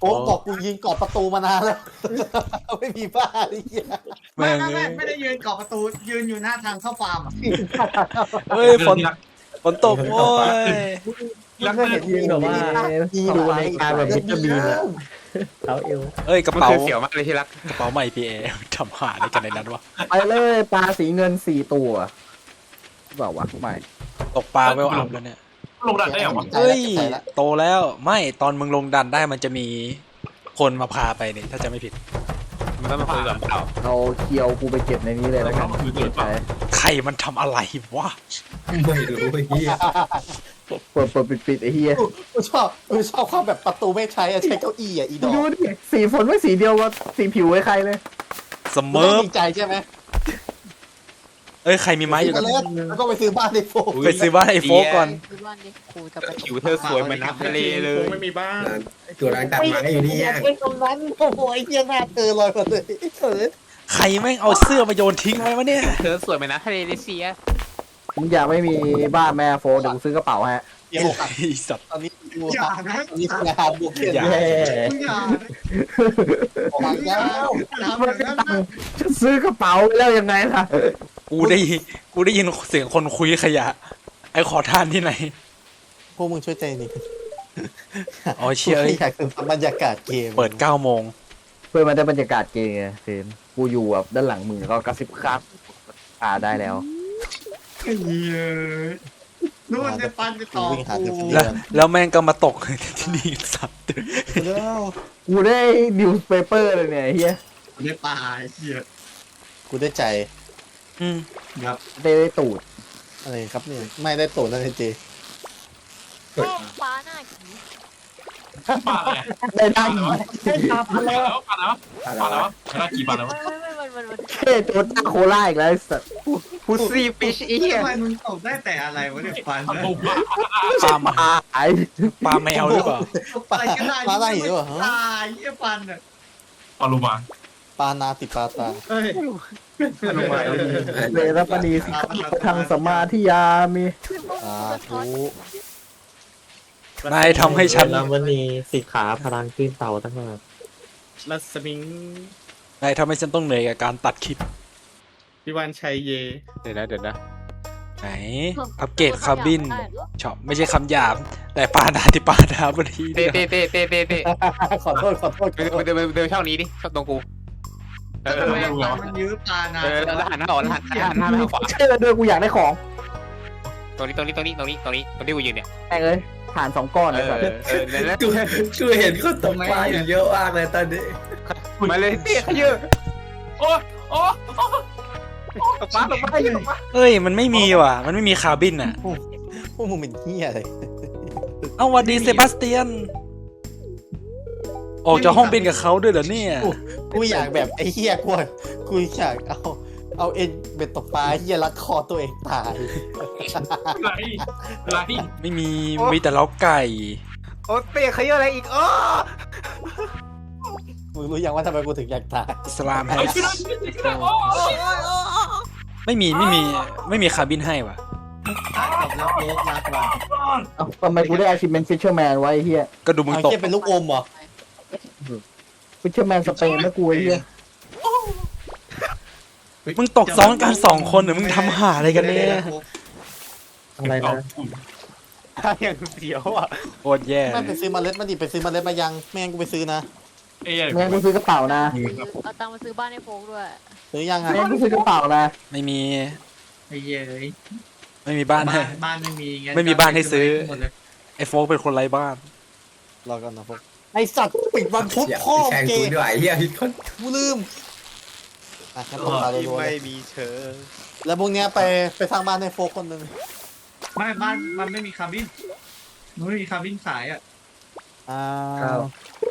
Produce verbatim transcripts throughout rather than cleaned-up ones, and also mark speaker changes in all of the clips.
Speaker 1: อ้บอกกูยืนกอดประตูมานานแล้วไม่มีบ้าไอ้เหี้ย
Speaker 2: ไม่ไม่ไม่ไม่ได้ยืนกอดประตูยืนอยู่หน้าทางเข้าฟาร์มอ่ะ
Speaker 3: เฮ้ยฝนฝนตกโว้ย
Speaker 1: รักเห็นยืนแบบว่าดูในการแบบวิตามินอะเขาเอว
Speaker 3: เอ้ยกระ
Speaker 4: มัน
Speaker 3: เป๋า
Speaker 4: คือเสียวมากเลยที่รัก
Speaker 3: กระเป๋าใหม่พีเอทำหาอะไรกันในนั้นวะ
Speaker 5: ไปเลยปลาสีเงินสี่ตัวเปล่าวะไม่
Speaker 3: ตกปลาเวลอัพแล้วเนี่ย
Speaker 6: ลงดันได้เหรอวะ
Speaker 3: เฮ้ยโตแล้วไม่ตอนมึงลงดันได้มันจะมีคนมาพาไปเนี่ยถ้าจะไม่ผิด
Speaker 4: มันต้องมาคุยกับเปล่า
Speaker 5: เอาเคียวกูไปเก็บในนี้เลยแล้วกันเก็บไป
Speaker 3: ใครมันทำอะไรวะ
Speaker 7: ไม่รู้ไอ้เหี้ย
Speaker 5: เปิดเปิดปิดปิดไอ้เหี้ย
Speaker 1: กูชอบกูชอบความแบบประตูไม่ใช้อะใช้เก้าอี้อะอีดอก
Speaker 5: ดูดิสีฝนไม่สีเดียวกับสีผิวไอ้ใครเลย
Speaker 3: ส
Speaker 1: มึ
Speaker 3: เมิ
Speaker 1: ง
Speaker 3: ร์ฟ
Speaker 1: ดีใจใช่ไหม
Speaker 3: เอ้ยใครมีไม้อยู่กัน
Speaker 1: แล้วก็ไปซื้อบ้านในโฟก
Speaker 3: ไปซื้อบ้านไอ้โฟกก่อน
Speaker 8: คือวันนี้ครูจะไป
Speaker 4: ผิวเธอสวยเหมือนน้ำทะเลเลย
Speaker 2: ไม่มีบ้าน
Speaker 7: ตัวร้านตัดไม้อยู่นี่
Speaker 1: อยา
Speaker 7: อ่ะ
Speaker 1: กเป็นตรงนั้นโอ้โหไอ้เหี้ยหน้าเธอลอยมาเลยเออ
Speaker 3: ใครแม่งเอาเสื้อมาโยนทิ้งไว้วะเนี่ย
Speaker 4: เธอสวยเหมือนน้ำทะเลเลยเสีย
Speaker 5: มึงอยากไม่มีบ้านแม่โฟเดี๋ยวกูซื้อกระเป๋าฮะ
Speaker 1: เดี๋ยว
Speaker 3: ไอ้สัตว์
Speaker 1: ตอนนี้กู
Speaker 2: อย่านะ
Speaker 1: ตอนนี้งานบุกเขียน
Speaker 3: อย่า
Speaker 1: แย่
Speaker 2: อย่า
Speaker 1: ออกมาแล้ว
Speaker 2: ทำแบบนั้นนะ
Speaker 5: จะซื้อกระเป๋าแล้วยังไงล่ะ
Speaker 3: กูได้กูได้ยินเสียงคนคุยขยะ ไอ้ขอทานที่ไหน
Speaker 1: พวกมึงช่วยใจหนิ
Speaker 3: อ๋อเชียร์
Speaker 1: อยากถึงบรรยากาศเกม
Speaker 3: เปิดเก้าโมง
Speaker 5: เพื่อมาได้บรรยากาศเกมไงเฟรมกูอยู่แบบด้านหลังมือก็กระซิบครับอ่าได้แล้ว
Speaker 2: เฮ้ยนู่นจะปันจะต่อ
Speaker 1: วิ่งหาเงิน
Speaker 2: กู
Speaker 3: แล้วแล้วแม่งก็มาตกที่นี่สัตว์
Speaker 1: แล้ว
Speaker 5: กูได้นิวส์เปเปอร์เลยเนี่ยไอ้เฮีย
Speaker 2: ได้ปลาไอ้เหี้ย
Speaker 1: กูได้ใจ
Speaker 3: อืม
Speaker 2: ครับ
Speaker 5: ได้ได้ตูด
Speaker 1: อะไรครับเนี่ยไม่ได้โตนั่นเองเจ
Speaker 8: ฟ้าหน้าผี
Speaker 6: ปาอะไร
Speaker 5: ได้ได้
Speaker 6: ปาแล้วปาแล้วปาแล้วชนะกี่ปาแล้ว
Speaker 8: ไม่ไม่ไม่มันมันมัน
Speaker 5: เท่โจต้าโคล่าอีกแล้วไอ้สัส
Speaker 4: พุซซี่ฟิชอีเหี้ย
Speaker 2: ทำไมมึงตกได้แต่อะไรวะเนี่ยปัน
Speaker 6: ทำบุกปา
Speaker 3: ปลามา
Speaker 5: ไอ้
Speaker 3: ปลาแมวหรือเปล่า
Speaker 1: ปลา
Speaker 2: อะไรก็ได้
Speaker 1: ปลาอะไรอยู่วะ
Speaker 2: ตายไอ้ปันอ่ะ
Speaker 6: ปาลูมา
Speaker 1: ปลานาติปลาตา
Speaker 2: เฮ้ย
Speaker 5: เวรปณีสิทางสมมาธิยามี
Speaker 1: อ่าทู
Speaker 3: นายทำให้ฉัน
Speaker 9: แล้ววันนี้สิขาพลังขึ้นเต่าตั้งแต่
Speaker 2: รัศมิง
Speaker 3: นายทำให้ฉันต้องเหนื่อยกับการตัดคลิป
Speaker 2: พิวันชัยเย
Speaker 4: เดี๋ยวนะเดี๋ยวนะ
Speaker 3: ไหน อัปเกรดคาร์บินชอบไม่ใช่คำหยาบ แต่ปลาดาที่ปลาดาบดี
Speaker 4: เต้เต้เต้เต้เต้เต้
Speaker 1: ขอโทษขอโทษ
Speaker 4: ไปเดินไปเดินช่องนี้ดิช่องตรงกูเออ
Speaker 2: ทำไมมันยื้อปลานาน
Speaker 4: เออแล้วหันหน้าออกแล้วหันหันหน้าไปทางขวา
Speaker 5: ใช่เลยด้วยกูอยากได้ของ
Speaker 4: ตรงนี้ตรงนี้ตรงนี้ตรงนี้ตรงนี้ตรงที่กูยืนเนี่ย
Speaker 5: แม่งเลยผ่านสองก้อน
Speaker 4: เอ
Speaker 5: เลย
Speaker 4: อ
Speaker 5: สัส
Speaker 4: เออแล้ว
Speaker 7: กูกูเห็นเขาตกปลาอยู่เยอะมากเลยตอนนี้
Speaker 4: มาเลยเต้ขยือ
Speaker 6: โอ้โอ้
Speaker 4: ตกปลาตกปลาอยู่ตกปลา
Speaker 3: เอ้ย มันไม่มีว่ะ มันไม่มีคาร์บินอ่ะ
Speaker 1: พวกมึงเป็นเหี้ยอะไร
Speaker 3: เอาวันดีเซบาสเตียน ออกจากห้องบินกับเขาด้วยเหรอเนี่ย
Speaker 1: กูอยากแบบไอ้เหี้ยกูกูอยากเอาเอาเอ็นเบ็ดตกปลาเหี้ยรัดคอตัวเองตาย
Speaker 6: ไรไร
Speaker 3: ไม่มี มีแต่เล้าไก่
Speaker 4: โอ้เต้ขยืออะไรอีกอ๋อ
Speaker 1: มึงรู้ยังว่าทำไมกูถึงอยากตาย
Speaker 3: สลามแฮ
Speaker 6: ไอ้
Speaker 3: ช
Speaker 6: ชิโร่ชิโร่โอ้
Speaker 3: ไม่มี ไม่มี ไม่มีคาร์บินให้ว่ะ
Speaker 2: กับรับโลกรักว่ะ
Speaker 5: เอ้าทำไมกูได้อาชิเมนฟิชเชอร์แมนไว้ไอ้เฮีย
Speaker 3: ก็ดูมึง
Speaker 1: เอา
Speaker 3: ตก
Speaker 1: เหี้ยเป็นลูกอมเหรอ
Speaker 5: ฟิชเชอร์แมนสเปนไม่กูไอ้เฮีย
Speaker 3: มึงตกซ้อนกันสองคนหรือมึงทำหาอะไรกันเนี่ย
Speaker 9: อะไรนะ
Speaker 4: อย่างเสียวอ่ะ
Speaker 3: โคตรแย่
Speaker 1: ไม่ไปซื้อเมล็ดมาดิไปซื้อเมล็ดมายังไม่งั้นกูไปซื้อนะ
Speaker 6: เอ้ย
Speaker 5: แม่งกูซื้อกระเป๋านะ
Speaker 8: เอาตังค์มาซื้อบ้านให้โฟกด้วย
Speaker 1: ซื้อยังอ่ะ
Speaker 5: แม่งกูซื้อกระเป๋านะ
Speaker 3: ไม่มี
Speaker 2: ไอ้เหี้ยเลย
Speaker 3: ไม่มีบ้านให้
Speaker 2: บ้านไม่มีไง
Speaker 3: ไม่มีบ้านให้ซื้อ ไอ้โฟกเป็นคนไร้บ้าน
Speaker 1: รอก่อนนะพวกไอสัตว์ปิดวันพุธ
Speaker 7: อย่า
Speaker 1: พ่อ
Speaker 7: แข่ง
Speaker 1: เก
Speaker 7: กู
Speaker 1: ย์
Speaker 7: ด้วยไอ้เหี้ยพี่คน
Speaker 1: กูลืมอ่ะงั้นตกปลารัวๆเลย
Speaker 4: มีเชิง
Speaker 1: แล้วพวกเนี้ยไปไปสร้างบ้านให้โฟกคนหนึ่ง
Speaker 2: ไม่บ้านมันไม่มีคาร์บินมันไม่มีคาร์บินขายอ่ะ
Speaker 1: อ้า
Speaker 5: ครับ
Speaker 1: ว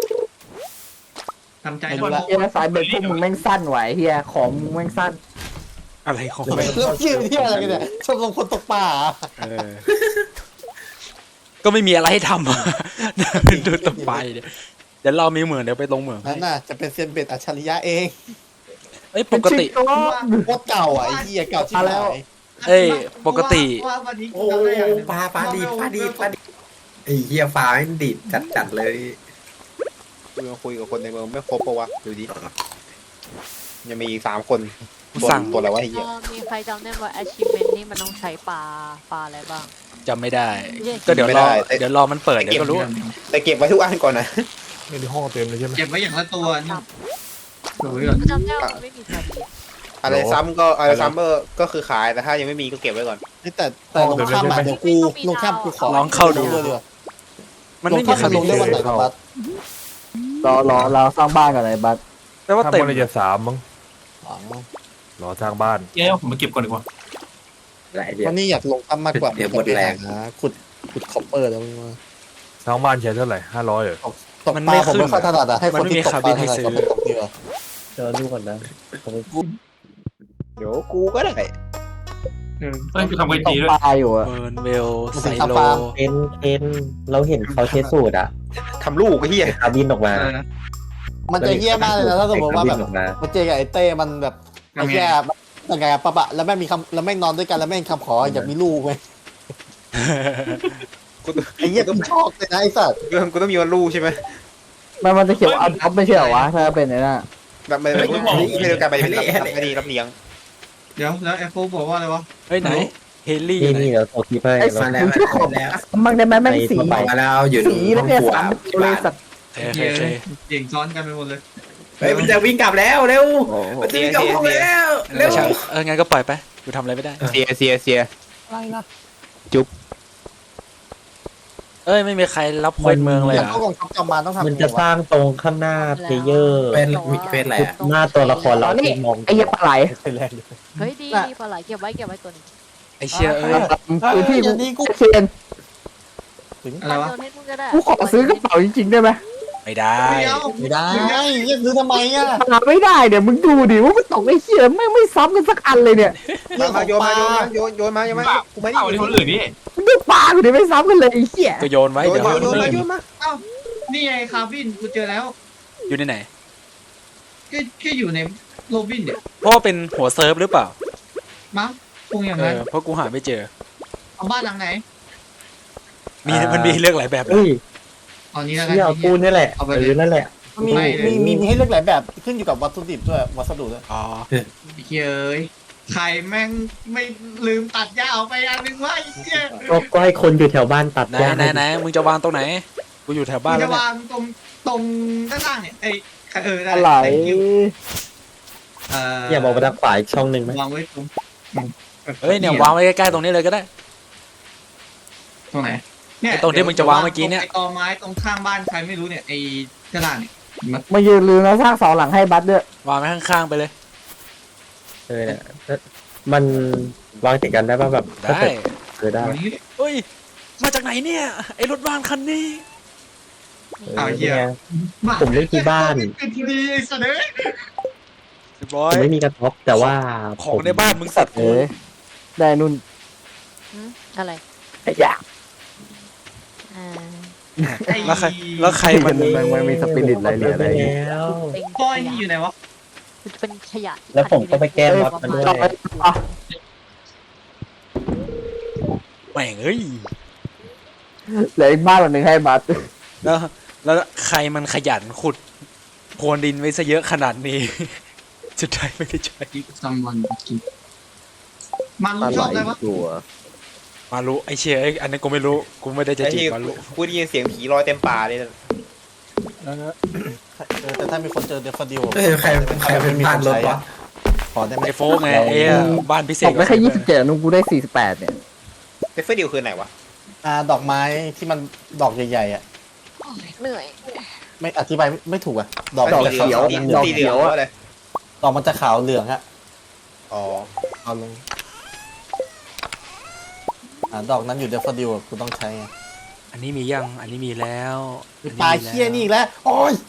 Speaker 2: ทำใจ
Speaker 1: ไม่รู้
Speaker 2: ด้วย
Speaker 1: ละ
Speaker 5: เฮียสายเบ็ดพวกมึงแม่งสั้นไหวเฮียของมึงแม่งสั้น
Speaker 3: อะไรของ
Speaker 1: แล้วชื่อที่อะไรกันเนี่ยชมรมคนตกปลาเหรอ
Speaker 3: เออ ก็ไม่มีอะไรให้ทำอะดูต่อไปเดี๋ยวเดี๋ยวเรามีเหมืองเดี๋ยวไปลงเหมืองให้
Speaker 1: นั่นน่ะจะเป็นเซียนเบ็ดอัจฉริยะเอง
Speaker 3: เอ้ยปกติ
Speaker 5: เป็นชิป
Speaker 1: โคตรเก่าอ่ะไอ้เหี้ยเก่าชิบหาย
Speaker 3: เอ้ยปกติ
Speaker 2: ว่าวันนี้
Speaker 7: โอ้
Speaker 2: กูทำได้อย่างหนึ่ง
Speaker 7: ปลาปลาดีดปลาดีดปลาดีดไอ้เหี้ยปลาไม่ดีดจัดจัดๆเลย
Speaker 4: กูยังคุยกับคนในเมืองไม่ครบปะวะดูดิยังมีอีกสามคน
Speaker 3: กู
Speaker 4: ตัว
Speaker 3: สั่ง
Speaker 4: ตัวอะไรวะไอ้
Speaker 8: เอ
Speaker 4: เหี้ย
Speaker 8: อมีใครจำได้ว่า achievement นี่มันต้องใช้ปลาปลาอะไรบ้าง
Speaker 3: จำไม่ได้ ก็เดี๋ยวรอเดี๋ยวรอมันเปิดเดี๋ยวก็รู้
Speaker 4: แต่เก็บไว้ทุกอันก่อนนะ
Speaker 9: ไม่ได้ห้องเต็มเลยใช่ไหม
Speaker 2: เก็บไว้อย่างละตัวนี่ดูไว้ก่อน
Speaker 8: จำได้ว่ามันไม่มีซาดี
Speaker 4: อะไรซ้ำก็อะไรซ้ำก็ก็คือขายแต่ถ้ายังไม่มีก็เก็บไว้ก่อน
Speaker 1: แต่แต่ลงข้ามมาเดี๋ยวกูลงข้ามกูขอ
Speaker 3: ลองเข้าดู
Speaker 1: เลยดีกว่า
Speaker 3: มัน
Speaker 1: ล
Speaker 3: ไม่
Speaker 1: ง
Speaker 3: มี
Speaker 1: ข้าม
Speaker 3: คา
Speaker 1: มาล
Speaker 3: บิ
Speaker 1: ง
Speaker 3: น
Speaker 1: ได้วันไหนครับบัส
Speaker 5: รอรอเราสร้างบ้านกันเลยบัส
Speaker 3: แปลว่า
Speaker 9: ถ้า
Speaker 3: เต็ม
Speaker 9: มันจะสามมั้ง
Speaker 1: อ๋อ
Speaker 9: รอสร้างบ้าน
Speaker 6: เย้ผมมาเก็บก่อนดีกว่า
Speaker 5: หลายเดือน
Speaker 1: วันนี้อยากลงข้ามมากกว่านะขุดขุดคอปเปอร์แล้วมึงว่า
Speaker 9: สร้างบ้านใช้เท่าไหร่ห้าร้อยเหรอ
Speaker 1: ตกปลาผมไม่ค่อยถนัดอะให้คนที่ตกปลาถนัดกว่าไปตกดีกว่า
Speaker 5: เดี๋ยวดูก่อนนะผมไป
Speaker 4: เดี๋ยวกูก็ได้
Speaker 2: เออ
Speaker 6: เฮ้ยกูทำไว้
Speaker 5: ต
Speaker 6: ดี
Speaker 5: ก
Speaker 6: ด้วย
Speaker 5: ปลาอยู่อะ
Speaker 3: เบิร์นเวลไซโล
Speaker 5: เอ็นเอ็นเราเห็นเขาใช้สูตรอะ
Speaker 4: ทำลูกไอ้เหี้ย
Speaker 5: คาบินออกมา
Speaker 2: อะไรนะ
Speaker 1: มันจะเหี้ยมากเลยนะถ้าสมมติว่าแบบมันเจอกับไอ้เต้มันแบบไอ้แย่ยังไงอะปะปะแล้วแม่งมีคำแล้วแม่งนอนด้วยกันแล้วแม่งคำขออยากมีลูกไหม
Speaker 4: กู
Speaker 1: ไอ้เหี้ยกูชอบเลยนะไอ้สัตว์
Speaker 4: กูต้องมีวันลูกใช่ไหม
Speaker 5: มันมันจะเขียนว่าอัพท็อปไม่ใช่เหรอวะถ้าเป็นไอ้น่ะ
Speaker 4: แบบไม่ไม่ไม่ได้การไปรับรับดีรับเลี้ยง
Speaker 2: เดี๋ยวแล้วแอปเปิลบอกว่าอะไรวะ
Speaker 3: เฮ้ยไหนเฮลี่
Speaker 5: นี่
Speaker 3: ไหน
Speaker 5: นี่เดี๋ยวตกที่ให้
Speaker 7: ไอ้
Speaker 5: เรา
Speaker 7: มาแล้วมาแล้ว
Speaker 5: มันได้ไหมแม่งสี
Speaker 7: มาแล้วอยู่
Speaker 5: สีแล้วเนี่ยสามเลยสัตว์
Speaker 3: เฮ้ยเฮ้ย
Speaker 2: เย้
Speaker 3: เฮ้ย
Speaker 2: เก่งซ้อนกันไปหมดเลย
Speaker 7: เฮ้ยมันจะวิ่งกลับแล้วเร็วมันจะวิ่งกลับห้องแล้วเร็ว
Speaker 3: ไม่ใช่เอองั้นก็ปล่อยไปกูทำอะไรไม่ได้
Speaker 4: เสียเสียเสีย
Speaker 1: อะไรนะ
Speaker 3: เอ้ยไม่มีใครรับควยเมืองเลย
Speaker 1: แต่
Speaker 3: เหร
Speaker 1: พว
Speaker 3: อก
Speaker 1: องทัพจอมมารต้องทำ
Speaker 5: มันจะสร้างตรงข้างหน้าเพลเยอร์
Speaker 7: เป็นมีเป็นอะไรอะ
Speaker 5: หน้าตัวละครเราที่มองไอ้ยักษ์ปลาไหล
Speaker 1: เป็นแรงเลย
Speaker 8: เฮ้ยดีดีปลาไหลเก็บไว้เก็บไว้ตัวหนึง
Speaker 3: ไอเชียเอ้ย
Speaker 5: คือที่
Speaker 1: อย่างนี้กู
Speaker 5: เชน
Speaker 2: อะไรวะ
Speaker 8: โดนให้มึงก็ได้
Speaker 5: กูขอซื้อกระเป๋าจริงๆได้ไหม
Speaker 3: ไม่ได้
Speaker 2: เดี๋ยว
Speaker 1: ไม่ได้เรียกซื้อทำไมอ่ะ
Speaker 5: หาไม่ได้เดี๋ยวมึงดูดิว่ามันตกไอ้เชี่ยไม่ไม่ซ้ำกันสักอันเลยเนี่ย
Speaker 4: มามาโยนมาโยนมาโยนโยนมาโยนมากูไม่ได้
Speaker 6: เอาที่คนอื่นนี่
Speaker 5: มึงดูปลากูดิไม่ซ้ำกันเลยไอ้เชี่ย
Speaker 3: ก็โยนไว้
Speaker 4: โยน
Speaker 3: เดี๋ยว
Speaker 4: มา
Speaker 3: ให้
Speaker 4: โย
Speaker 3: คน น
Speaker 4: มา
Speaker 3: อื่น
Speaker 4: โยนมา
Speaker 2: นี่ไงคาร์บินกูเจอแล้ว
Speaker 3: อยู่ในไหน
Speaker 2: ก็ก็อยู่ในโรบินเนี่ย
Speaker 3: เพราะว่าเป็นหัวเซิร์ฟหรือเปล่า
Speaker 2: มั้งคงอย่าง
Speaker 3: เอ
Speaker 2: นั้น
Speaker 3: อเพราะกูหาไม่เจอ
Speaker 2: เอาบ้านหลังไหน
Speaker 3: มีมันมีเลือกหลายแบบเลย
Speaker 5: เฮ้ย
Speaker 2: เอานี้แล้วกัน
Speaker 5: เชี่ยปูนนี่แหละ
Speaker 2: เอาไป
Speaker 5: เออนั่นแหละ
Speaker 1: มีมีมีมีให้เลือกหลายแบบขึ้นอยู่กับวัตถุดิบด้วยวัสดุด้วย
Speaker 3: อ๋อ
Speaker 2: เฮ้ยใครแม่งไม่ลืมตัดหญ้าออกไปอันนึงวะไอ้เหี้ย
Speaker 5: ก็ก็ให้คนอยู่แถวบ้านตัด
Speaker 3: ไหน
Speaker 5: หญ้า
Speaker 3: ไหนไหนมึงจะวางตรงไหนกูอยู่แถวบ้าน
Speaker 2: กู
Speaker 3: แล้
Speaker 2: จะ
Speaker 3: วเนี่ยว
Speaker 2: างตรงตรงด้านล่างเนี่ยไอ้เออได้
Speaker 5: อะไร
Speaker 2: เอ่อ
Speaker 5: อย่าบอกไปทางฝ่ายช่องหนึ่งไหม
Speaker 2: วางไว้ตรง
Speaker 3: เฮ้ยเนี่ยวางไว้ใกล้ๆตรงนี้เลยก็ได้
Speaker 2: ตรงไหนเนี่ย
Speaker 3: ไอ้ตรงที่มึงจะวางเมื่อกี้เนี่ย
Speaker 2: ไอ้กอไม้ตรงข้างบ้านใครไม่รู้เนี่ยไอ้กระดานเนี่ย
Speaker 5: มายืนลืมแล้วสร้างเสาหลังให้บัสด้วย
Speaker 3: วางไว้ข้างๆไปเลย
Speaker 5: เออเนี่ยมันวางติดกันได้ป่ะแบบ
Speaker 3: ได้
Speaker 5: เออได้
Speaker 2: วันนี้
Speaker 3: เฮ้ยมาจากไหนเนี่ยไอรถบ้านคันนี้
Speaker 2: เอาเหี้ย
Speaker 5: นี่ไง ผมเล่นที่บ้าน
Speaker 2: เป็นทีดีไอ้สัตว์เอ้ย
Speaker 3: เรียบร้อ
Speaker 5: ผ
Speaker 3: ย
Speaker 5: มไม่มีกระท็อปแต่ว่า
Speaker 3: ของในบ้านมึงสัตว์
Speaker 5: เออได้นุ่น
Speaker 8: หืมอะไร
Speaker 5: ไอ้ยา
Speaker 8: อ่า
Speaker 2: ไอ้
Speaker 3: แล้วใครแล้วใครมัน
Speaker 5: มันมันมีสปิริตอะไรเหลืออะไรอย่างเงี้ย
Speaker 8: เป็น
Speaker 2: ก้อยนี่อยู่ไหนวะ
Speaker 8: เป็นขยะที่
Speaker 5: แล้วผมก็ไปแก้มอดมันด้วย
Speaker 3: แม่งเอ้ย
Speaker 5: เหลืออีกบ้านหลังหนึ่งให้บัส
Speaker 3: แล้วแล้วใครมันขยันขุดโพรวนดินไว้ซะเยอะขนาดนี้ สุดท้ายไม่ได้ใช้
Speaker 2: ซัมวันกินมันรู้ชอบอะไรวะ
Speaker 5: ตัว
Speaker 3: มารู้ไอเชียไอยอันนี้กูไม่รู้กูไม่ได้จะ
Speaker 4: ไอ้
Speaker 3: จีบ
Speaker 4: ที่
Speaker 3: มารู้
Speaker 4: กูได้ยินเสียงผีลอยเต็มป่าเลย
Speaker 1: เออแต่ถ้ามีคนเจอเดฟดิว
Speaker 7: เฮ้ยใครใครเป็นบ้านรถวะ
Speaker 1: ขอได้ไหม
Speaker 3: ไอโฟกไงไอ้บ้านพิเศ
Speaker 5: ต
Speaker 3: ษ
Speaker 5: กได้แค่ยี่สิบเจ็ดนุ่นกูได้สี่สิบแปดเนี่ย
Speaker 4: เดฟเฟอร์ดิวคือไหนวะ
Speaker 1: อ่าดอกไม้ที่มันดอกใหญ่ๆอ่ะ
Speaker 8: เหนื่อย
Speaker 1: ไม่อธิบายไม่ถูกอ่ะดอก
Speaker 5: ดอก
Speaker 1: จะ
Speaker 5: เขียว
Speaker 1: ขาว
Speaker 5: ดอก
Speaker 4: สีเห
Speaker 5: เขี
Speaker 4: ลื
Speaker 5: ย
Speaker 4: อง
Speaker 5: วอะ
Speaker 4: อะไร
Speaker 1: ดอกมันจะขาวเหลืองอ่ะ
Speaker 4: อ๋อ
Speaker 1: เอาลงอ่าดอกนั้นอยู่เดฟดิวกูต้องใช้ไง
Speaker 3: อันนี้มียังอันนี้มีแล้วอันนี้
Speaker 1: ปลา
Speaker 3: มี
Speaker 1: เคี้ยนี่อีกแล้วโอ้ย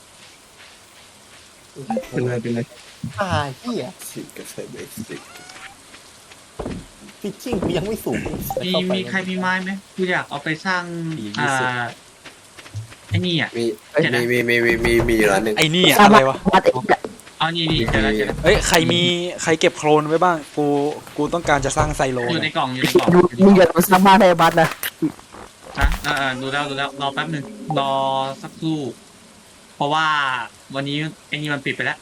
Speaker 2: เป็นไรเป็นไร
Speaker 1: ปลาเคี้ย
Speaker 7: สิกับใส่เบสิก
Speaker 1: ฟิชชิ่งกูยังไม่สูง
Speaker 2: มี
Speaker 1: เข้าไป
Speaker 2: มีใครมีไม้ไหมกูอยากเอาไปสร้างอ่าไอ้นี่อ่ะ
Speaker 7: มีมีมีมีมีมีอยู่ร้านหนึ่ง
Speaker 3: ไอ้นี่อะอะไรวะ
Speaker 5: บัสไอ้
Speaker 2: เอานี่นี่เจอแล้วเจอแล้ว
Speaker 3: เอ้ยใครมีใครเก็บโคลนไว้บ้างกูกูต้องการจะสร้างไซโล
Speaker 2: อยู่ใน
Speaker 3: นะ
Speaker 2: กล่องอยู่ในกล่อง
Speaker 5: ดูมึงอย่ามาสร้างบ้านให้บัสนะ
Speaker 2: นะอ่าดูแล้วดูแล้วรอแป๊บหนึ่งรอสักครู่
Speaker 1: ผ
Speaker 2: ราะว่าวันนี้ไอ้นี่มันปิดไปแล้ว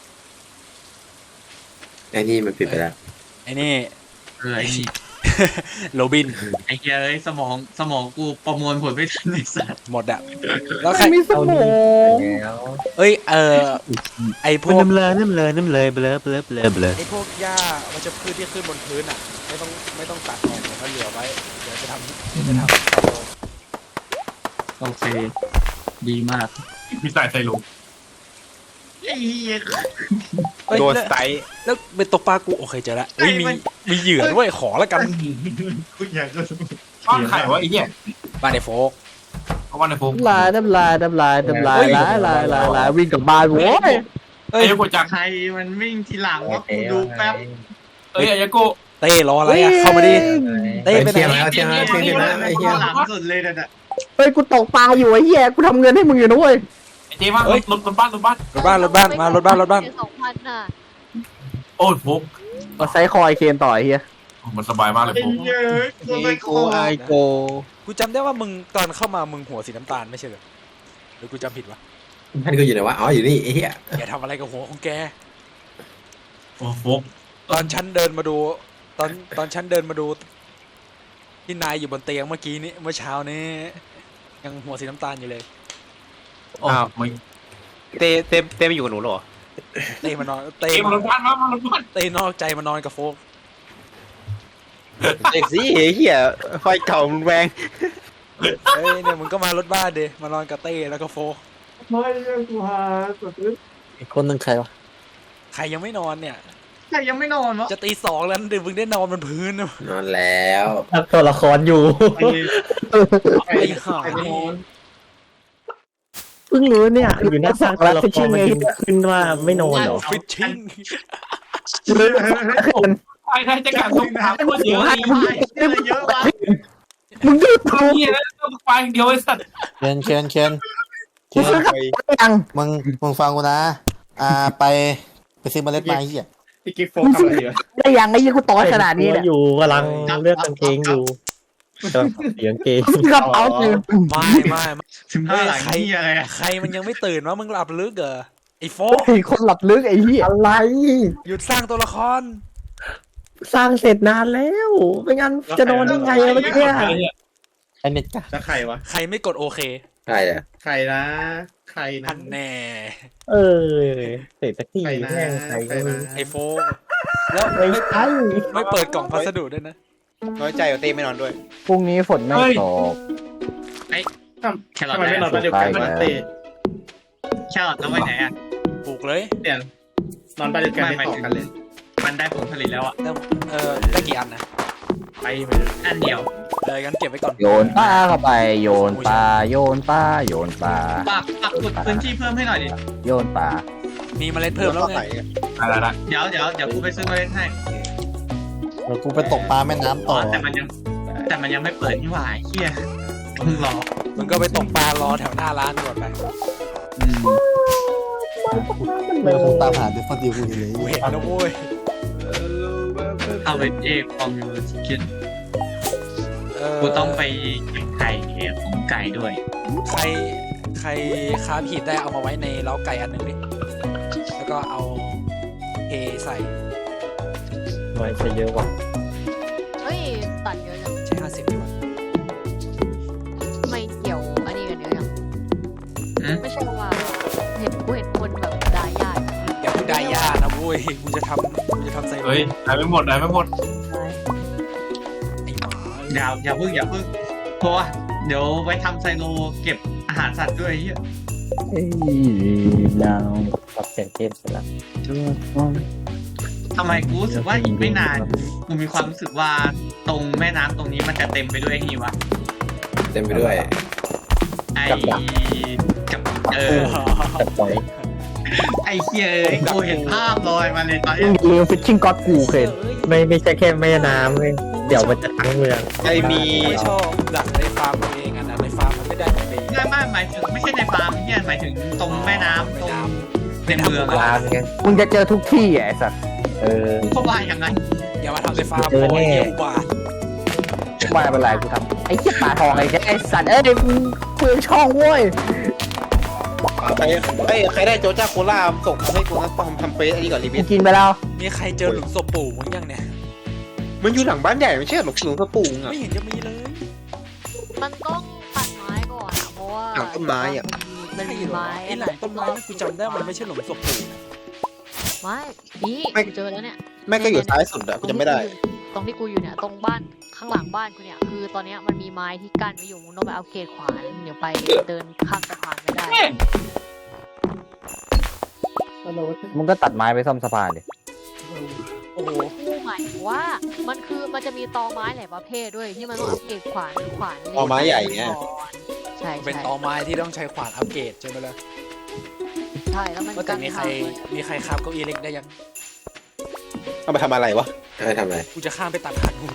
Speaker 7: ไอ้นี่มันปิดไปแล้ว
Speaker 3: ไอ้นี่
Speaker 2: เออไอ้นี่
Speaker 3: โรบิน
Speaker 2: ไอ้เหี้ยเอ้ยสมองสมองกูประมวลผลไม่ทันไอ้สัตว์
Speaker 3: หมดอะแล้วใคร
Speaker 5: มีสมอง
Speaker 3: เอ้ยเออไอพวก
Speaker 10: น้ำเลยน้ำเลยน้ำเลยเบลอเบลอเบลอเบลอ
Speaker 3: ไอพวกหญ้าวัชพืชที่ขึ้นบนพื้นอะไม่ต้องไม่ต้องตัดออกเดี๋ยวเขาเหลือไว้เดี๋ยวจะทำเดี๋ยวจะทำ
Speaker 2: โอเคดีมาก
Speaker 6: มีสายใส่ลุง
Speaker 2: ไอ้เหี้ย
Speaker 3: เอ้ย
Speaker 4: โดน
Speaker 3: แล้ว
Speaker 4: สไตล์
Speaker 3: แล้วเป็นตกปลากูโอเคเจอแล้วเฮ้ยมี
Speaker 2: มัน
Speaker 3: มีเหยื่อด้วยขอแล้วกัน
Speaker 2: กูอยากจะ
Speaker 6: บ้านไข่วะไอ้เหี้ย
Speaker 3: บ้านไอโฟก
Speaker 6: เอาบ้านในฟุก
Speaker 5: ลายน้ำลายน้ำลายน้ำลายลายลายลายลายวิ่งกลับบ้านโว้ย
Speaker 3: เอ้ย
Speaker 6: ไอ้กูจัก
Speaker 2: ใครมันวิ่งทีหลังว่ากูดูแป๊บ
Speaker 6: เอ้ยไอ้กู
Speaker 3: เต้รออะไรอะเข้ามาดิเต้ไปไหน
Speaker 7: เอาเชียร์มาเชียร์มาไอ้เหี้ย
Speaker 2: หลังสุดเลยน่ะ
Speaker 5: เฮ้ยกูตกปลาอยู่ไอ้เหี้ยกูทำเงินให้มึงอยู่นะเว้ย
Speaker 6: ไอ้เจ๊มารถรถรถบ้านรถบ้าน
Speaker 3: รถบ้านรถบ้านมารถบ้านรถบ้าน
Speaker 8: สองพันน่ะ
Speaker 6: โอ้ยฟุก
Speaker 5: มาไซคอยเคนต่อไอ้เหี้ย
Speaker 6: มันสบายมากเลย
Speaker 2: ไอ้
Speaker 6: ฟุก
Speaker 2: เหี้ยกูไปโค
Speaker 4: ไอโก
Speaker 3: กูจำได้ว่ามึงตอนเข้ามามึงหัวสีน้ำตาลไม่ใช่เหรอหรือกูจำผิดวะ
Speaker 7: มันก็อยู่ไหนวะอ๋ออยู่นี่ไอ้เหี้ย
Speaker 3: อย่าทำอะไรกับหัวของแก
Speaker 6: โอ้ฟุก
Speaker 3: ตอนฉันเดินมาดู ตอนตอนฉันเดินมาดูที่นายอยู่บนเตียงเมื่อกี้นี้เมื่อเช้านี้ยังหัวสีน้ำตาลอยู่เลย
Speaker 6: อ้าวมึง
Speaker 4: เต้เต้เต้ไม่อยู่กับหนูหรอ
Speaker 3: เต้มานอนเต้
Speaker 6: เจ๊มารถบ้านมามารถบ้าน
Speaker 3: เต้นอกใจมานอนกับโฟก
Speaker 4: เด็กสิเหี้ยไฟเก่ามันแรง
Speaker 3: เฮ้ยเนี่ยมึงก็มารถบ้านเดมานอนกับเต้แล้วก็โฟก
Speaker 1: อีกคนหนึ่งใครวะ
Speaker 3: ใครยังไม่นอนเนี่ย
Speaker 2: ใครยังไม่นอนวะ
Speaker 3: จะตีสองแล้วเดี๋ยวมึงได้นอนบนพื้นนะ
Speaker 7: นอนแล้ว
Speaker 5: ตัวละครอยู่
Speaker 3: ไอ้ห่า
Speaker 5: เพิ่งรู้เนี่ย
Speaker 10: อยู่หน้าสร้างตัวละครมันขึ้นว่าไม่นอนเหรอ
Speaker 3: ฟิชชิ่ง
Speaker 6: ไอ้ใครจะกัดตรงถามคนเดียวไอ้
Speaker 2: เยอะเยอะวะ
Speaker 5: มึงยืดตัว
Speaker 6: เหี้ยแล้วต้องไปเดียวไอ้สัตว์
Speaker 1: เคนเคนเคนเคน
Speaker 5: ยัง
Speaker 1: มึงมึงฟังกูนะ อ่าไปไปซื้อเมล็ดไม้เหี้ย
Speaker 4: พี่กิ๊ฟโฟกทำอะไรอยู่
Speaker 5: ได้ยังไอ้ยี่กูต่อยขนาดนี้เนี่ย
Speaker 10: อยู่กำลังเลือกกางเกงอยู่กำลังเสียงเกง
Speaker 5: กระเป๋าคือ
Speaker 3: ไม่ไม่ไม่
Speaker 2: ถึงห้าหลังนี่อะไรอะ
Speaker 3: ใครมันยังไม่ตื่นวะมึงหลับลึกเหรอไอ้โฟก
Speaker 5: ไอ้คนหลับลึกไอ้เหี้ยอะไร
Speaker 3: หยุดสร้างตัวละคร
Speaker 5: สร้างเสร็จนานแล้วไม่งั้นจะนอนได้ไงอะเมื่อกี้
Speaker 1: ไอเน็ตกะ
Speaker 4: แล้วใครวะ
Speaker 3: ใครไม่กดโอเค
Speaker 7: ใช่อะ
Speaker 4: ใครนะใครนะ
Speaker 3: อันแน่
Speaker 10: เออเสร็จสักที
Speaker 4: ใครนะ
Speaker 10: แม่งใคร
Speaker 4: ใคร
Speaker 10: ก็
Speaker 4: นะ
Speaker 3: ไอ้โฟกแล้ว
Speaker 5: ไม่
Speaker 3: ไม่
Speaker 5: ใช่
Speaker 3: ไม่เปิดกล่องพัสดุด้วยนะ
Speaker 4: น้อยใจว่าเต้ไม่นอนด้วย
Speaker 5: พรุ่งนี้ฝนไม่ตก
Speaker 2: แครอท
Speaker 4: ทำไมไม่นอนบ้านเดียวกันวะเต้
Speaker 2: แครอทแล้วไปไหนอะ
Speaker 3: ปลูกเลย
Speaker 4: เดี๋ยวนอนบ้านเดียวกันไม่ต่อกันเลย
Speaker 2: มันได้ผลผลิตแล้วอะ
Speaker 3: แล้วเออได้กี่อันนะ
Speaker 4: ไปไปเลย
Speaker 2: อันเดียว
Speaker 3: เอองั้นเก็บไว้ก่อน
Speaker 5: โยนปลาเข้าไปโยนปลาโยนปลาโยนปลา
Speaker 2: ปักปักขุดพื้นที่เพิ่มให้หน่อยดิ
Speaker 5: โยนปลา
Speaker 3: มีเมล็ดเพิ่มแล้วไง
Speaker 6: อะไรละ
Speaker 2: เดี๋ยวเดี๋ยวเดี๋ยวกูไปซื้อมาเล่นให้
Speaker 1: เดี๋ยวกูไปตกปลาแม่น้ำ
Speaker 2: อ๋
Speaker 1: ต่
Speaker 2: อ
Speaker 1: อ
Speaker 2: แต่มันยังแต่มันยังไม่เปิดนี่หว่าไอ้เฮียต้องรอ
Speaker 3: มึงก็ไปตกปลารอแถวหน้าร้านก่อนไป
Speaker 2: อืม
Speaker 1: เมื่อคงตามหาดิฟฟอนดิวกูอยู่เลย
Speaker 3: กูเห็นนะโว้ย
Speaker 2: เอาไปเอกฟอร์มูลชิคเก้น
Speaker 3: เออ
Speaker 2: กูต้องไปเก็บไก่ของไก่ด้วย
Speaker 3: ใครใครค้าผิดได้เอามาไว้ในเล้าไก่อันหนึ่งดิแล้วก็เอาเทใส่
Speaker 10: ไม่ใช่เยอะว่ะ
Speaker 8: เฮ้ยตัดเยอะจัง
Speaker 3: ใช่ห้าสิบดีกว่า
Speaker 8: ไม่เกี่ยวอันนี้กันเยอะจัง
Speaker 2: อืม
Speaker 8: ไม่ใช่ว่าเห็นกูเห็นคนแบบดายา
Speaker 3: อย่าพูดได้ยากนะโว้ยกูจะทำกูจะทำใส่
Speaker 6: เฮ้ยได้ไม่หมดได้ไม่หมด
Speaker 3: ไอ้หมา
Speaker 2: อย่าอย่าพึ่งอย่าพึ่งเพราะว่าเดี๋ยวไปทำไซโลเก็บอาหารสัตว์ด้วยไอ้เฮีย
Speaker 5: เอ้ยดาว
Speaker 10: ปรับเสียงเกมเสร็จแล้ว
Speaker 2: ทำไมกูรู้สึกว่าอีกไม่นานกูมีความรู้สึกว่าตรงแม่น้ำตรงนี้มันจะเต็มไปด้วยไอ้นี่วะ
Speaker 7: เต็มไปด้วย
Speaker 2: ไอ้กับเออ
Speaker 10: ตัดปล่อย
Speaker 2: ไอ้เฮียเอ้ยกูเห็นภาพลอยมาเลยตอน
Speaker 5: ลื
Speaker 2: เนี้ย
Speaker 5: มลืมฟิชชิ่งก็อดกูเคน
Speaker 10: ไม่ไม่ใช่แค่แม่น้ำเลยเดี๋ยวมันจะทั้งเมือง
Speaker 4: ไอมี
Speaker 3: ไม่ชอบดักในฟาร์มตัวเองอ่ะนะในฟาร์มมันไม่ได้ดี
Speaker 2: ไม่ไม่หมายถึงไม่ใช่ในฟาร์มเฮียหมายถึงตรงแม่น้ำตรงในเมือง
Speaker 10: ลา
Speaker 2: อะ
Speaker 10: มไง
Speaker 5: มึงจะเจอทุกที่อ่ะไอ้สัตว์
Speaker 10: เออ
Speaker 2: เขาว่าอย่างไง
Speaker 3: อย่ามาทำในฟาร์ม
Speaker 10: เจอแน่
Speaker 3: โอ้ยเยี่ยมบาท
Speaker 5: ไม่เป็นไรกูทำไอ้เหี้ยปลาทองไอ้เหี้ยไอ้สัตว์เอ้ยเดี๋ยวมึงคุยกับช่องเว้ย
Speaker 7: ปลา
Speaker 4: ใครเอ้ยใครได้โจจ้าโคล่าส่งมาให้กูนะทำทำเฟซอันนี้ก่อนรี
Speaker 5: กู
Speaker 4: วิว
Speaker 5: กินไปแล้ว
Speaker 3: มีใครเจอหลุมศพปู่มั้งยังเนี่ย
Speaker 4: มันอยู่หลังบ้านใหญ่ไม่ใช่หรอกหลวงพ่อปู่อ่ะ
Speaker 3: ไม่เห็นจะมีเลย
Speaker 8: มันต้องตัดไม้ก่อนอะเพราะว่า
Speaker 4: หลังต้นไม้อะ
Speaker 8: มันมีไม้
Speaker 3: ไอ้หลังต้นไม้นี่กูจำได้มันไม่ใช่หลุมศพปู่นะ
Speaker 8: ไม้นี่
Speaker 4: ไม่
Speaker 8: กูเจอแล้วเนี่ย
Speaker 4: แม่งก็อยู่ซ้ายสุดอะกูจะไม่ได้
Speaker 8: ตรงที่กูอยู่เนี่ยตรงบ้านข้างหลังบ้านกูเนี่ยคือตอนเนี้ยมันมีไม้ที่กั้นไว้อยู่มึงต้องไปเอาเกตขวานเดี๋ยวไปเดินข้ามสะพานไม่ได้
Speaker 5: มึงก็ตัดไม้ไปซ่อมสะพานดิ
Speaker 3: โอ้โห
Speaker 8: กูหมายถึงว่ามันคือมันจะมีตอไม้หลายประเภทด้วยที่มันต้องอัปเกรดขวานขวาน
Speaker 4: ตอไม้ใหญ่ไง
Speaker 8: ใช่
Speaker 3: เป็น
Speaker 8: ใช่
Speaker 3: ตอไม้ที่ต้องใช้ขวานอัปเกรดใช่ไหมล่ะ
Speaker 8: ใช่แล้วมัน
Speaker 3: ว่าแต่มีใคร
Speaker 8: กั้นทางด้วย
Speaker 3: มีใครคาบเก้าอี้เล็กได้ยัง
Speaker 4: เอาไปทำอะไรวะ
Speaker 7: อะไรทำอะไร
Speaker 3: กูจะข้ามไปตัดขาดหู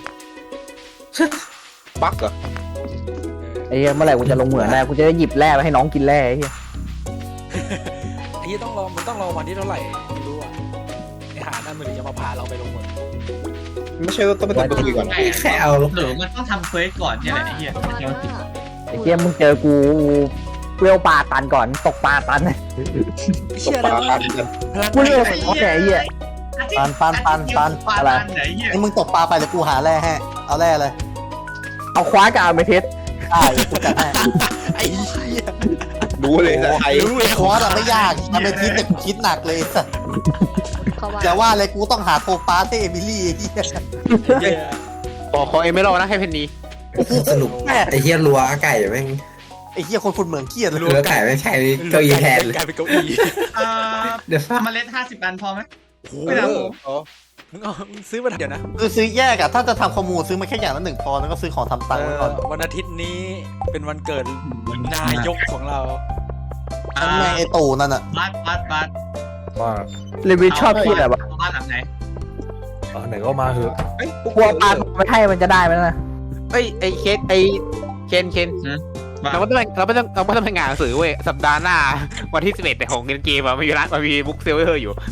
Speaker 4: บั๊กเหรอ
Speaker 5: ไอ้เหี้ยเมื่อไหร่กูจะลงเหมืองได้กูจะได้หยิบแร่ไปให้น้องกินแร่ไอ้เหี้ย
Speaker 3: ไอ้ที่ต้องรอมันต้องรอวันที่เท่าไหร่ไม่รู้อ่ะไอ้หานั่นมันถึงจะมาพาเราไปลงเหมือง
Speaker 4: ไม่ใช่ว่าต้องไปทำตัวก่อน
Speaker 7: แค่เอา
Speaker 2: หรือมันต้องทำเควสก่อนเนี่ยแหละไอ้เหี้ย
Speaker 8: ว่า
Speaker 5: ไอ้เหี้ยมึงเจอกูเวลปลาตันก่อนตกปลาตัน
Speaker 3: เชื่อแล้ว
Speaker 4: ปลา
Speaker 5: กูเรียกว่าเขาแก่ไอ้เหี้ย
Speaker 1: ปันปันปันปัน
Speaker 2: ปลา
Speaker 5: อะไร
Speaker 2: ตันไหนเหี้ย
Speaker 1: ไอ้มึงตกปลาไปเดี๋ยวกูหาแร่ให้เอาแร่เลย
Speaker 5: เอาคว้ากับอาเมทิส
Speaker 1: ได้กูจัดให้
Speaker 3: ไอ้เหี้ย
Speaker 4: รู้เลยแต่ใคร
Speaker 1: คอร์สอะไม่ยากทำเป็นคิดแต่กูคิดหนักเลยสัส
Speaker 8: เขาว่า
Speaker 1: อย่าว่าเลยกูต้องหาโทปาให้เอมิลี่ไอ้เหี้ย
Speaker 3: เหี้ย
Speaker 4: ขอขอเอเมอรัลนะให้เพนนี
Speaker 7: สรุปไอ้เฮียรัวไก่แม่ง
Speaker 1: ไอ้เหี้ยคนฝุ่นเหมืองเครียดเลย
Speaker 7: รัวไก่ไม่ใช่เก้าอี้แทนเลย
Speaker 3: กลายเป็นเก้าอี้
Speaker 2: เอ่อ
Speaker 7: เดี๋ยว
Speaker 2: เมล็ดห้าสิบอันพอไหม
Speaker 3: โอ้
Speaker 2: ไม่ได้
Speaker 3: โห
Speaker 2: ผม
Speaker 3: มึงเอามึงซื้อมาเดี๋ยวนะ
Speaker 1: คือซื้อแยกอะถ้าจะทำข้อมูลซื้อมาแค่อย่างละหนึ่งพอแล้วก็ซื้อของทำตังค์ไว้ก่อน
Speaker 3: เอ่อวันอาทิตย์นี้เป็นวันเกิดนายกของเรา
Speaker 1: นั่นแม่งไอ้ตู่นั่นอะ
Speaker 2: บัสบัสบัส
Speaker 9: ว่า
Speaker 5: รีวิวชอบที่อะไรวะ
Speaker 2: เอาบ้านหลังไหน
Speaker 9: เอาไหนก็มาเถอะ
Speaker 5: กลัวปลาไม่ให้มันจะได้ไหมนะ
Speaker 4: เอ้ยไอ้เคนไอ้เคนเคนเราไม่ต้องเราไม่ต้องเราไม่ต้องทำงานหนังสือเว้ยสัปดาห์หน้าวันที่สิบเอ็ดแต่ของเกมอะมันมีร้านมันมีบุ๊กเซลเวอร์อยู่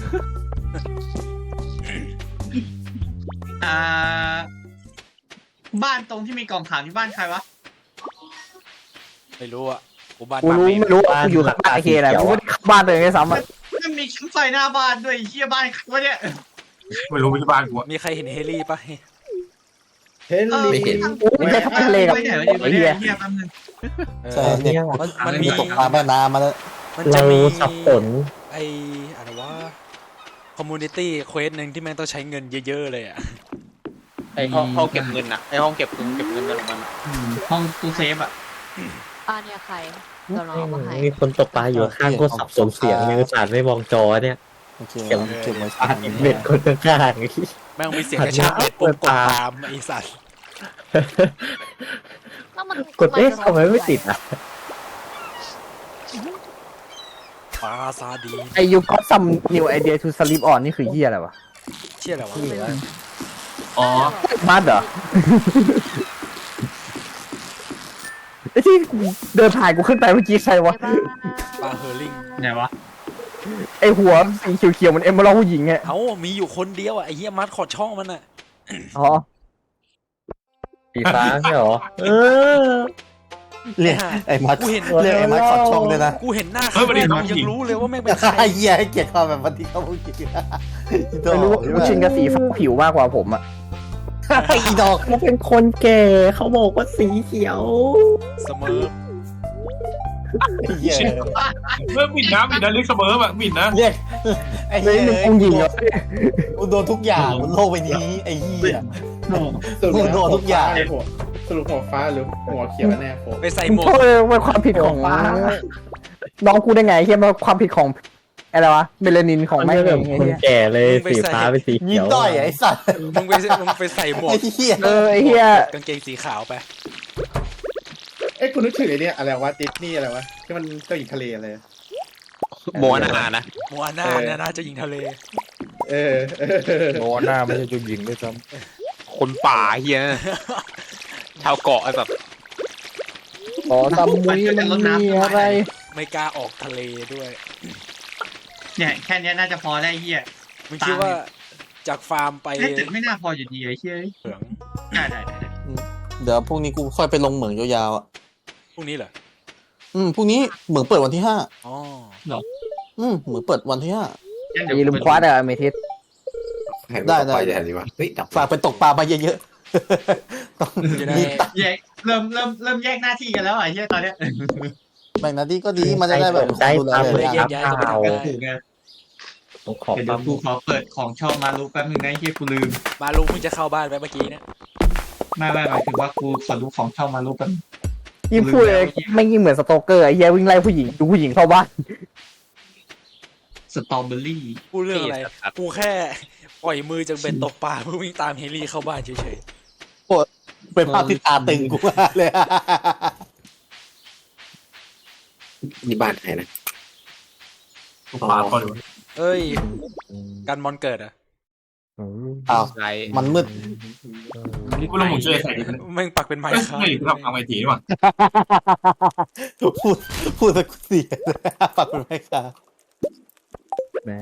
Speaker 2: อ่าบ้านตรงที่มีกล่องขาวที่บ้านใครวะ
Speaker 3: ไม่รู้อ่ะกูบ้าน
Speaker 5: กูรู้ไม่รู้กูอยู่ข้างบ้านไอ้เคแหละกูไม่ได้เข้าบ้านตัวเองด้วยซ้ำอะ
Speaker 2: มันมีชั้นไฟหน้าบ้านด้วยไอ้เหี้ยบ้านใครวะเนี่ย
Speaker 6: ไม่รู้ไม่ใช่บ้านกูอะ
Speaker 3: มีใครเห็นเฮลี่ปะ
Speaker 7: เห็น
Speaker 2: เออ
Speaker 7: ไม่เห็น
Speaker 5: ไม่ใช่ข้ามทะเลกับ
Speaker 2: ไปไหนวะ
Speaker 5: ไอ้
Speaker 2: เนี่ย
Speaker 5: เหี้ย
Speaker 2: ไอ้เหี้ยแป๊บนึง
Speaker 1: ใช่เนี่ย
Speaker 3: มัน
Speaker 2: มั
Speaker 3: มัน
Speaker 2: น
Speaker 3: มี
Speaker 1: มีตกปลาแม่น้ำมาแล้ว
Speaker 3: มันจะ
Speaker 10: เรา
Speaker 3: มี
Speaker 10: สับสน
Speaker 3: ไออะไรวะคอมมูนิตี้เควสหนึ่งที่แม่งต้องใช้เงินเยอะๆเลยอ่ะ
Speaker 4: ไอ้ห้องห้องเก็บเงินอะไอ้ห้องเก็บเงินเก็บเงินอะไรของมันอะ
Speaker 2: ห้องตู้เซฟอะ
Speaker 8: อ่าเนี่ยใครเดี๋ยวเราเอามาให้
Speaker 10: มีคนตกปลาอยู่ข้างก็สับสนเสียงในอุตสาห์ไม่มองจอเนี่ย
Speaker 1: โอเคเราเก็บไว้
Speaker 10: อ่านเบ็ดคนข้างๆไอ้
Speaker 3: แม่งมีเสียงกระชากเบ็ดปุ๊บกดตามไอสัตว์
Speaker 8: แล้วมัน
Speaker 10: กดเอ๊ะทำไมไม่ติดอ่ะ
Speaker 3: ปลาซาดีน
Speaker 5: ไอยูก็ซัมนิวไอเดียทูสลิปออนนี่คือเหี้ยอะไรวะ
Speaker 3: เชี่ยอะไรวะ
Speaker 6: อ๋อ
Speaker 5: มาดเหรอไอที่เดินผ่านกูขึ้นไปเมื่อกี้ใครวะ
Speaker 8: ใช่ปะ
Speaker 3: ปลาเฮอร์ลิง
Speaker 2: ไหนวะ
Speaker 5: ไอหัวสีเขียวๆเหมันเอมเบอร์ผู้หญิงไง
Speaker 3: เอ้ามีอยู่คนเดียวอ่ะไอเฮียมัดขอดช่องมันอ่ะ
Speaker 5: อ๋อ
Speaker 10: สีฟ้าใช่หรอ เออ
Speaker 1: เรียกไอ้มัด
Speaker 3: กูเห็น
Speaker 1: เรียกไอ้มัดขอดช่องด้วยนะ
Speaker 3: กูเห็นหน้าเขาเนี่ยยังรู้เลยว่าแม่งเป็นใคร
Speaker 1: ไอ้เหี้ยให้เกียรติความแบบวันที่เขาพูดจริง
Speaker 5: ไม่รู้ว่ากูชินกับสีฟ้าผิวมากกว่าผมอะ
Speaker 1: อีดอก
Speaker 10: เขาเป็นคนแก่เขาบอกว่าสีเขียว
Speaker 3: เสมอ
Speaker 1: ไอ้เหี้ย
Speaker 6: เมื่อมินนะมินนะเรียกเสมอแบบมินนะ
Speaker 1: เรียกไอ้
Speaker 5: เลย
Speaker 1: เหี้ย
Speaker 5: หนึ่งกูหญิงเหรอ
Speaker 1: กูโดนทุกอย่างบนโลกใบนี้ไอ้เหี้ยกูโดนทุกอย่าง
Speaker 7: สรุปหัวฟ้าหรือหัวเขียวแน่ผม
Speaker 3: ไปใส่ห
Speaker 5: มึ
Speaker 3: ม
Speaker 5: ง
Speaker 3: วก
Speaker 5: โทษเป็นความผิดของน้องกูได้ไงเฮียมันความผิดของอะไรวะเมลานินของ
Speaker 10: มัน
Speaker 5: แม่
Speaker 10: ไม่
Speaker 5: เอ
Speaker 10: แบบ
Speaker 5: งไง
Speaker 10: คน
Speaker 5: เฮีย
Speaker 10: แก่เลยสีฟ้าเป็นสี
Speaker 1: ยิ
Speaker 10: เขี
Speaker 1: น
Speaker 10: ยว
Speaker 1: ด้อยไอ้สัตว์
Speaker 3: มึงไปมึงไปใส่หมวก
Speaker 1: ไอ้เหี้ย
Speaker 5: เออไอเฮีย
Speaker 3: กางเกงสีขาวไป
Speaker 7: เอ้ยคุณนึกถึงไอ้เนี่ยอะไรวะดิสนีย์อะไรวะที่มันเจ้าหญิงทะเลอะไร
Speaker 4: โมนานะ
Speaker 3: โมอาน่าเนี่ยนะเจะยิงทะเล
Speaker 7: เออเออ
Speaker 9: โนหน้าไม่ใช่เจุดยิงด้วยซ้
Speaker 4: คนป่าเฮียนะชาวเกาะไอ้แบบ
Speaker 5: ขอตำมุยมันมีอะไร
Speaker 3: ไม่กล้าออกทะเลด้วย
Speaker 2: เนี่ยแค่เนี้ยน่าจะพอแล้วไอ้เหี้ย
Speaker 3: มึงคิดว่าจากฟาร์มไป
Speaker 2: ไอ้ตึกไม่น่าพออยู่ดีไอ้เหี้ย
Speaker 3: เหลือง
Speaker 2: ได้ได้ได้
Speaker 1: เดี๋ยวพรุ่งนี้กูค่อยไปลงเหมืองยาวๆอ่ะ
Speaker 3: พวกนี้เหรอ
Speaker 1: อืมพรุ่งนี้เหมืองเปิดวันที่ห้า
Speaker 3: อ๋อ
Speaker 1: อืมเหมืองเปิดวันที่ห้า
Speaker 2: งั้น
Speaker 5: อย่า
Speaker 2: เดี๋ยว
Speaker 5: ลืมคว้าอะเมทิส
Speaker 1: ได้ได้
Speaker 7: ไปอย่างนี้วะเฮ้ยดับ
Speaker 1: ฝากไปตกปลามาเยอะๆ ต้อง
Speaker 3: จะได้
Speaker 1: มีตังค์
Speaker 2: แยกเริ่มเริ่มเริ่มแยกหน้าที่กันแล้วอ่ะเฮียตอนเนี้ย
Speaker 1: แบ่งหน้าที่ก็ดีมันจะได้แบบมีคนดูแล
Speaker 3: ได้
Speaker 1: เลย
Speaker 3: แยกย้ายกันไปทำได้
Speaker 2: ถูกไง
Speaker 10: ต้องขอ
Speaker 2: เดี๋ยว
Speaker 10: ปั๊ม
Speaker 2: กูขอเปิดของชอบมารู้แป๊บนึงนะเฮียกูลืม
Speaker 3: มาลุงเพิ่งจะเข้าบ้านไปเมื่อกี้เนี่ย
Speaker 2: ไม่ไม่หมายถึงว่ากูขอรู้ของชอบมารู้แป๊บนึง
Speaker 5: ยิ่งพูดเลยไม่ยิ่งเหมือนสโตเกอร์ไอ้เหี้ยวิ่งไล่ผู้หญิงดูผู้หญิงเข้าบ้าน
Speaker 2: สตรอเบอรี่
Speaker 3: พูดเรื่องอะไรกูแค่ปล่อยมือจากเบ็ดตกปลาเพื่อวิ่งตามเฮลี่เข้าบ้านเฉย
Speaker 1: เป็นภาพที่ตาตึงกูมากเลย
Speaker 7: นี่บ้านใครนะ
Speaker 6: กูปาก่อน
Speaker 3: ๆเอ้ยกันมอนเกิดอะ
Speaker 1: อ้าว
Speaker 4: ไร
Speaker 1: มันมืด
Speaker 6: นี่กูลงหมุนช่วยใส่ดิ
Speaker 3: แม่งปักเป็นไม้
Speaker 6: เอ้ย
Speaker 3: ค้า
Speaker 6: ไม่กูทำทำไอทีนี่หว่า
Speaker 1: พูดพูดสักเสียปักเป็นไม้ค่ะ
Speaker 5: แม่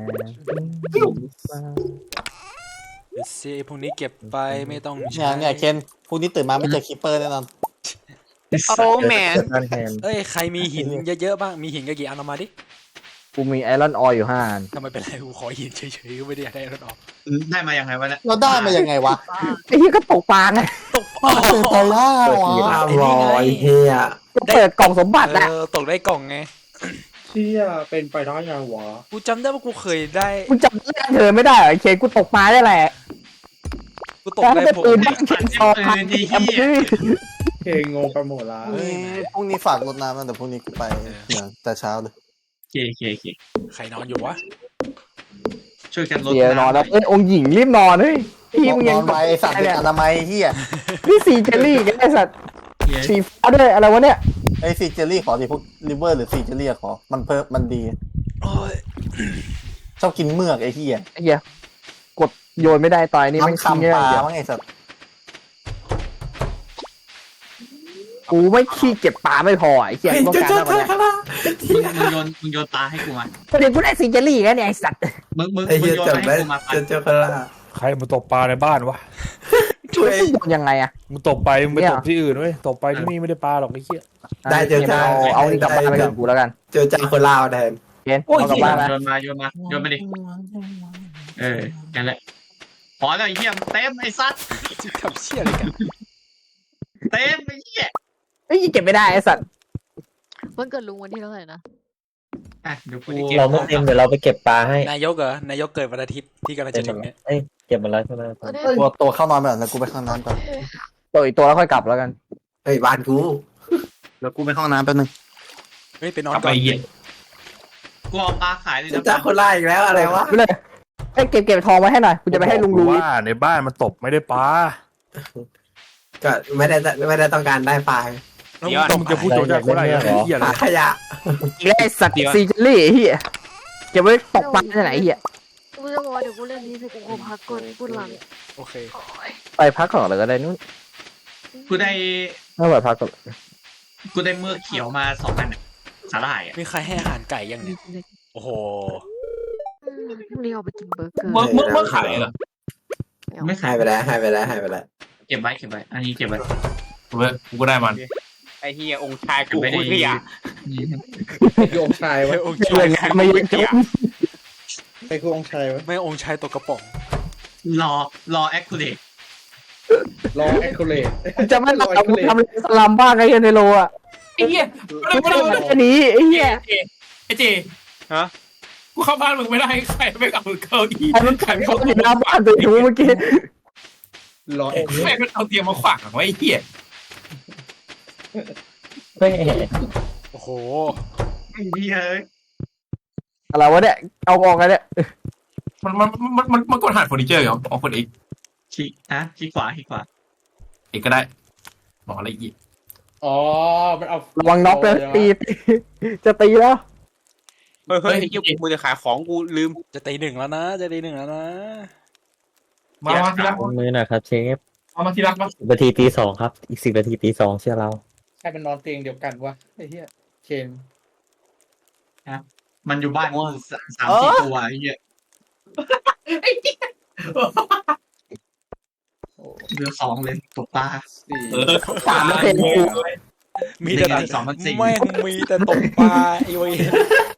Speaker 3: เดี๋ยวซีพวกนี้เก็บไปไม่ต้อง
Speaker 1: เนี่
Speaker 3: ใช้
Speaker 1: ยเนี่ยเคนพรุ่งนี้ตื่นมาไม่เจอคีเปอร์แน่นอน
Speaker 4: โอ้แมน
Speaker 10: ด้านแทน
Speaker 3: เอ้ยใครมีหินเยอะๆบ้างมีหินกันกี่อันเอามาดิ
Speaker 5: กูมีไอรอนออยอยู่ห้าอัน
Speaker 3: ทำไมเป็นไรกูขอหินเฉยๆก็ไม่ได้อยากได้รถออก
Speaker 2: ได้มายังไงวะเนี่ย
Speaker 1: เราได้มายังไงวะ
Speaker 5: ไอ้เหี้ยก็ตกปลาไง
Speaker 3: ตก
Speaker 1: เป็นไปได้
Speaker 10: เปิด
Speaker 1: วะ
Speaker 10: ที
Speaker 7: ห้าร้อยเฮีย
Speaker 5: ก็เปิดกล่องสมบัติอะ
Speaker 3: เออตกได้กล่องไง
Speaker 7: เชี่ยเป็นไปได้ยังวะ
Speaker 3: กูจำได้ว่ากูเคยได้
Speaker 5: กูจำเรื่องเธอไม่ได้เหรอไอ้เคนกูตกปลาได้แหละ
Speaker 3: กูตก
Speaker 5: แต่
Speaker 3: ได้
Speaker 5: ถ้าเป็น
Speaker 3: ผม
Speaker 5: ปืนบ้างเคนซอพันแอมพื้
Speaker 7: เคงงไปหมดละ
Speaker 1: พรุ่งนี้พรุ่งนี้ฝากรดน้ำนะเดี๋ยวพรุ่งนี้กูไปเนี่ยแต่เช้าเลย
Speaker 2: โอเคโอเคโอเค
Speaker 3: ใครนอนอยู่วะ
Speaker 2: ช่วยกันลด
Speaker 5: เสียนอนแล้วเอ้ยองค์หญิงรีบนอนเฮ้ยพี่มึง
Speaker 1: น
Speaker 5: ยัง
Speaker 1: อนไปไอ้สัตว์เป็นอนามัยเฮีย
Speaker 5: นี่ซีเจลลี่กันไอ้สัตว์
Speaker 2: เหี้ย
Speaker 5: สีฟ้าด้วยอะไรวะเนี่ย
Speaker 1: ไอ้ซีเจลลี่ขอดิพวกลิเวอร์หรือซีเจลลี่ขอมันเพิ่มมันดี
Speaker 3: โอ้ย
Speaker 1: ชอบกินเมือกไอ้เฮีย
Speaker 5: ไอ้เหี้ยกดโยนไม่ได้ตายนี่ไม่
Speaker 1: น้ำ
Speaker 5: ขี้
Speaker 1: คำ
Speaker 5: เงี้ย
Speaker 1: ปลา
Speaker 5: เดี๋ยว
Speaker 1: มั้งไอ้สัตว์
Speaker 5: กูไม่ขี้เก็บปลาไม่พอไอ้เหี้ยต้องการมากกว่านี้
Speaker 2: มึงโยนมึงโยนปลาให้กูมา
Speaker 5: ประเด็นกูได้ซีเจลลี่กันเนี่ยไอ้สัตว์
Speaker 2: มึงมึง
Speaker 7: ไอ้
Speaker 2: มึ
Speaker 7: เฮี
Speaker 2: ง
Speaker 7: ย
Speaker 2: โยน
Speaker 7: จับ
Speaker 2: มา
Speaker 7: ได้
Speaker 2: ให้กูมาปัน
Speaker 7: เจอเจอคนละ
Speaker 9: ใครมาตกปลาในบ้านวะ
Speaker 7: ช่วย
Speaker 5: โยนยังไงอะ
Speaker 9: มึงตกไปมึงไป
Speaker 5: เนี่ย
Speaker 9: ตกที่อื่นเว้ยตกไปที่นี่ไม่ได้ปลาหรอกไอ้เหี้ย
Speaker 7: ได้เจอ
Speaker 5: เอา
Speaker 7: จ้า
Speaker 5: เอานี่กลับบ้านไปกับกูแล้วกัน
Speaker 7: เจอจ้าคนลาวแทน
Speaker 5: เคนเอากลับบ้านนะ
Speaker 2: โยนมาโยนมาโยนมาดิเออนั่นแหละพอแล้วไอ้เหี้ยเต็มไอ้สัตว์
Speaker 3: จะทำเชี่ยอะไรกัน
Speaker 2: เต็มไอ้เหี้ย
Speaker 5: เฮ้ยเก็บไม่ได้ไอ้สัตว์
Speaker 8: วันเกิดลุงวันที่เท่าไหร่นะ
Speaker 2: อ่ะเดี๋ยวกูจะเก็บ
Speaker 10: เราไม่เต็มเดี๋ยวเราไปเก็บปลาให้
Speaker 3: นายกเหรอนายกเกิดวันอาทิตย์ที่กำลัง
Speaker 10: เต็
Speaker 3: จะ
Speaker 10: มหม
Speaker 3: ถึ
Speaker 10: ด
Speaker 3: ง
Speaker 10: แล้ว
Speaker 3: เนี่ย
Speaker 10: เอ้ยเก็บมาแล้วใช่ไหม
Speaker 8: เออได้
Speaker 1: ตัวตัวเข้านอนไปก่อนแล้วกูไปเข้าน้ำก่อน
Speaker 5: ตัวอีกตัวแล้วค่อยกลับแล้วกัน
Speaker 7: เฮ้ยบ้านกู
Speaker 1: แล้วกูไปเข้าน้ำแป๊บนึง
Speaker 3: เฮ้ยไปนอน
Speaker 6: กลับ
Speaker 3: ก่
Speaker 6: ไป
Speaker 3: อน
Speaker 6: เหี้ย
Speaker 2: กูเอาปลาขายเลย
Speaker 7: เจอ
Speaker 2: นะ
Speaker 7: จ้าคนลาวอีกแล้วอะไรวะ
Speaker 5: ไปเลยไอ้ยเก็บเก็บทองไว้ให้หน่อยกูจะไปให้ลุง
Speaker 9: กู
Speaker 5: รู้
Speaker 9: ว่าในบ้านมันตกไม่ได้ปลา
Speaker 7: ก็ไม่ได้ไม่ได้ต้องการได้ไฟล์
Speaker 3: แล้ว
Speaker 4: เดี๋ยว
Speaker 3: มึง
Speaker 9: มึงจะพูดโจจากคนไรไอ้เหี้ยอะไร
Speaker 7: หาขยะ
Speaker 5: อีกแล้วไอ้สัตว์ซีเจลลี่ไอ้เหี้ยเก็บไว้ตกปลาที่ไหนไอ้เหี้ย
Speaker 8: กูจะบอกว่าเดี๋ยวกูเล่นนี้เสร็จกูขอพักก่อนปวดหลัง
Speaker 3: โอเค
Speaker 5: ไปพักก่อนเลยก็ได้นู่น
Speaker 2: กูได้
Speaker 5: ไม่ไหวพักก่อน
Speaker 2: กูได้เมือกเขียวมาสองอันอะสาหร่ายอะ
Speaker 3: มีใครให้อาหารไก่ยังเนี่ยโอ้โห
Speaker 8: อืมพรุ่งนี้เอาไปกินเบอร์เกอร์
Speaker 6: เมื่อเมื่อเมื่อขายเหรอ
Speaker 2: ไม่
Speaker 7: ให้
Speaker 2: ขาย
Speaker 7: ไปแล้วให้ไปแล้วให้ไปแล้ว
Speaker 2: เก็บไว้เก็บไว้อันนี้เก็บไว้
Speaker 6: กูเว้ยกูก็ได้มัน
Speaker 4: ไอ้เหี้ยองค์ชายกู
Speaker 2: ไม่ได้
Speaker 4: คุยอ่ะ
Speaker 7: โยงชายวะ
Speaker 3: ไม่องค์
Speaker 5: เรื่องงานไม่เยอะจัง
Speaker 7: ไปคือองชายวะ
Speaker 3: ไม่องค์ชายตกกระป๋อง
Speaker 2: รอรอแอคคูเลต
Speaker 7: รอแอคคูเลต
Speaker 5: จะไม่หลับกูทำสลัมบ้างไอ้เหี้ยในโลอ่ะ
Speaker 6: ไอ้เหี้ย
Speaker 5: กูไม่ได้แค่นี้ไอ้เหี้ย
Speaker 6: ไอ้เจกูเข้าบ้านมึงไม่ได้ใครไม่เอาเก้าอี้
Speaker 5: ไอ้มันขันเขาอยู่หน้าบ้านตัวชูเมื่อกี้
Speaker 7: รอแอคคูเล
Speaker 6: แม่
Speaker 7: ต
Speaker 6: งเอาเตียงมาขวางไว้ไอ้เหี้ย
Speaker 10: ไม่
Speaker 3: โอ้โห
Speaker 2: ไอ้เหี้ยเอ้ย
Speaker 5: อะไรวะเนี่ยเอาออกกันเนี่ย
Speaker 6: มันมันมันมันมันกดหาเฟอร์นิเจอร์เหรอเอาคนอีก
Speaker 2: ขี้อ่ะขี้ขวาขี้ขวา
Speaker 6: อีกก็ได้บอกอะไรอีก
Speaker 7: อ๋อมันเอา
Speaker 5: ระวังน็อกเลยตีตีจะตีแล้ว
Speaker 4: เฮ้ยเฮ้ยไอ้เหี้ยกูมือจะขายของกูลืม
Speaker 3: จะตีหนึ่งแล้วนะ จะตีหนึ่งแล้วนะ
Speaker 6: มามาที่รัก
Speaker 10: มือหน่อยครับเชฟ
Speaker 6: เอามาที่รักมา
Speaker 10: สิบนาทีตีสองครับ อีกสิบนาทีตีสองเชื่อเรา
Speaker 7: ใครเป็นนอนเตียงเดียวกันวะไอ้เหี้ยเคน
Speaker 2: มันอยู่บ้านกูสามสามสี่ตัวไอ้เหี้ยเหลือสองเลยตกปลา
Speaker 7: สี่
Speaker 6: เออ
Speaker 5: สามเปอร์เซ็นต์กู
Speaker 3: มีแต่
Speaker 2: หนึ่งนาทีสองพันสี่
Speaker 3: แม่งมีแต่ตกปลาไอ้เว้ย